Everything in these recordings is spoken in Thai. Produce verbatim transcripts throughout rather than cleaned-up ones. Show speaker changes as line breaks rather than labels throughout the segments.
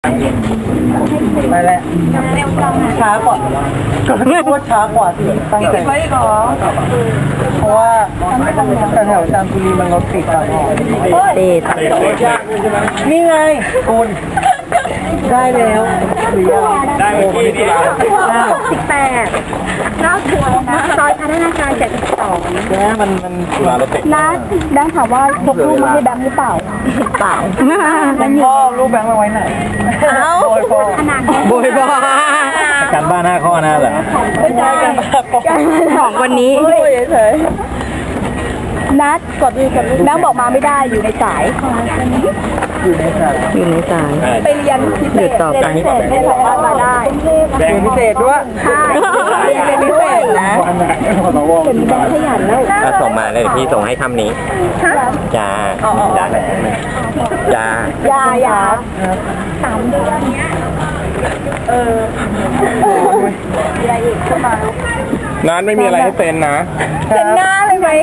ไปแล้วช้ากว่าก็ไม่พูดช้ากว่าที่ตั้งใจเพราะว่าแถวจามจุรีมันรถติดอะติดนี่ไงคุณได้แล้วหรือยังได้โอ้โหนี่แล้ว
สิบแปดนอกทัวร์นะซอยพัฒนาการเจ็ดสิบสอง
แล้วมันมันมารถติด
ร้านแบงค์ถามว่าพกรูปมาให้แบงค์หรือเปล่าเปล่า
พ่อรูปแบงค์มาไว้ไหนโบยพ่อ
ขนาด
โบยพ่อการบ้านห้าข้อนะเหรอไม่ใช่กัน
ของวันนี้เฉยนัดกดดูกดดูแบงค์บอกมาไม่ได้อยู่ในสาย
อยู่ในสาย
อยู่ในสายไปเรียนพิเศษ
ต่อไป
ไม่สามารถมาได้
เรียนพิเศษด้วย
ใช่เรียนพิเศษนะเป็นแบงค์ขยันแล้ว
ถ้าส่งมาเลยพี่ส่งให้คำนี้จ้าจ้าจ้า
ยายาสามเดือนเอออะไรอีกขึ้นมา
นัดไม่มีอะไรให้เซ็นนะ
เซ็นหน้าเลยไหม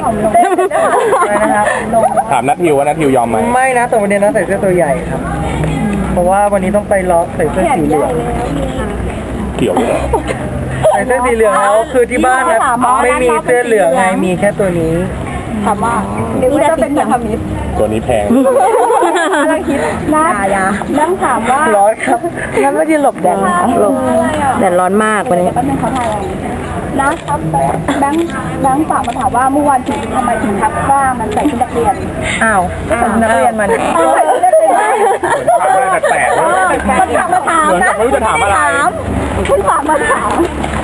ถามนัททิวว่านัททิวยอมไหม
ไม่นะแต่วันนี้นะใส่เสื้อตัวใหญ่ครับเพราะว่าวันนี้ต้องไปล็อกใส่เสื้อสีเหลือง
เกี่ยวเลย
ใส่เสื้อสีเหลืองแล้วคือที่บ้านนะไม่มีเสื้อเหลืองไงมีแค่ตัวนี้
ถามว่าเดี๋ยวจะเป็นอย่างนี้
ตัวนี้แพง
กำลังคิดนะนั่งถามว่า
ร้อนครับงั้นไม่ได้หลบแดดหลบ
แดดร้อนมากวันนี้เขาทำนะครับแบงค์แบงค์ฝากมาถามว่าเมื่อวานถึงทำไมถึงทักว่ามันใส่ชุดนักเรียน
อ้าวนักเรียนมัน
ใส่ชุดนักเรียนได้
แปลกๆ
มันถามมาถามนะ
ไม่รู้จะถามอะไร
คุณฝากมาถาม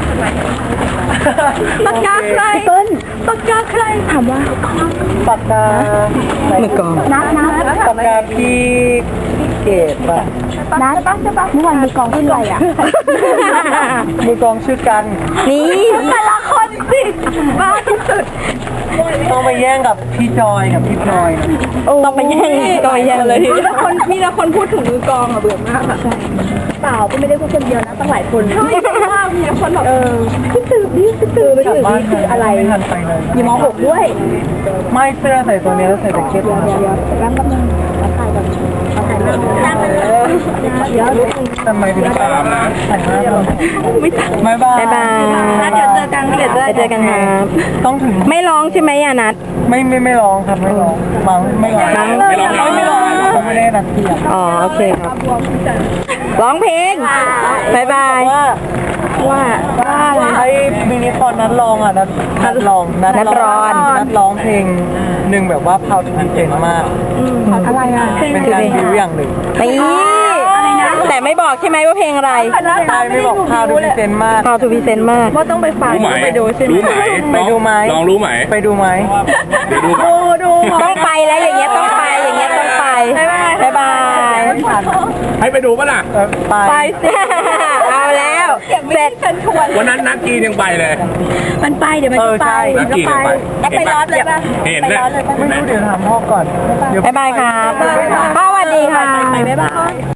ปากกาใครต้นปากกาใครถามว่า
ปากกา
มือกองนัดนัด
ปากกาพี่เกดป่ะ
นัดใช่ปะเมื่อวานมือกองขึ้นอะไรอ่ะ
มือกองชื่อกัน
นี่แต่ละคนสิบ้าที่สุด
ต้องไปแย่งกับพี่จอยกับพี่พลอย
ต้องไปแย่งก็แย่งเลยมีแต่คนมีแต่คนพูดถึงมือกองอ่ะเบื่อมากอ่ะเปล่าก็ไม่ได้พูดคนเดียวนะตั้งหลายคนใช่ว่ามีคนแบบเออคิดถึงนี่คิดถึงไปถึงนี่คืออะไรยี่มอหกด้วย
ไม่เสื้อใส่ตัวนี้แล้วใส่แจ็คเก็ตมา
แล้วก็มึงมาถ่ายแบบมาถ่ายแบบเดี๋ยว
ทำไมถึงตามนะถ่ายหน้าเราไม่บาย
บายเดี๋ยวเจอกันเดี๋ยวเจอกันครับ
ต้องถึง
ไม่ร้องใช่ไหมยานัท
ไม่ไม่ไม่ร้องครับไม่ร้องมังไม่ร้อง
ไม่ร้อง
ไม่ร้องไม่ได้นัดเที่ยง
อ๋อโอเคครับร้องเพลงบายบายว่าว่า
ไอ้มินิคอนนัดร้องอ่ะนัดนัดร้อง
นัดร้อน
นัดร้องเพลงหนึ่งแบบว่าพาวทูบีเก่งมาก
อะไรอ่ะ
เป็นการดิวอย่างหนึ่ง
นี่แต่ไม่บอกใช่ไหมว่าเพลงอะไร
ใช่ไม่บอกพาวทูบีเซนมาก
พาวทูบีเซนมากว่าต้องไปฟัง
ไปดูใช่ไหมรู้ไหม
ไปดูไหม
ลองรู้ไหม
ไปดูไหม
ดูดูต้องไปแล้วอย่างเงี้ยต้องไปอย่างเงี้ยต้องไปบายบาย
ให้ไปดูป่ะล่ะ
ไป
สิเอาแล้วเสร็จ
วันนั้นนักกียังไปเลย
มันไปเดี๋ยวมันไป
นักกีไป
แล้วไปร้อนเลยป่ะ
เห็นเลย
ไม่รู้เดี๋ยวถามพ่อก่อน
บายบายครับพ่อสวัสดีค่ะบ๊ายบาย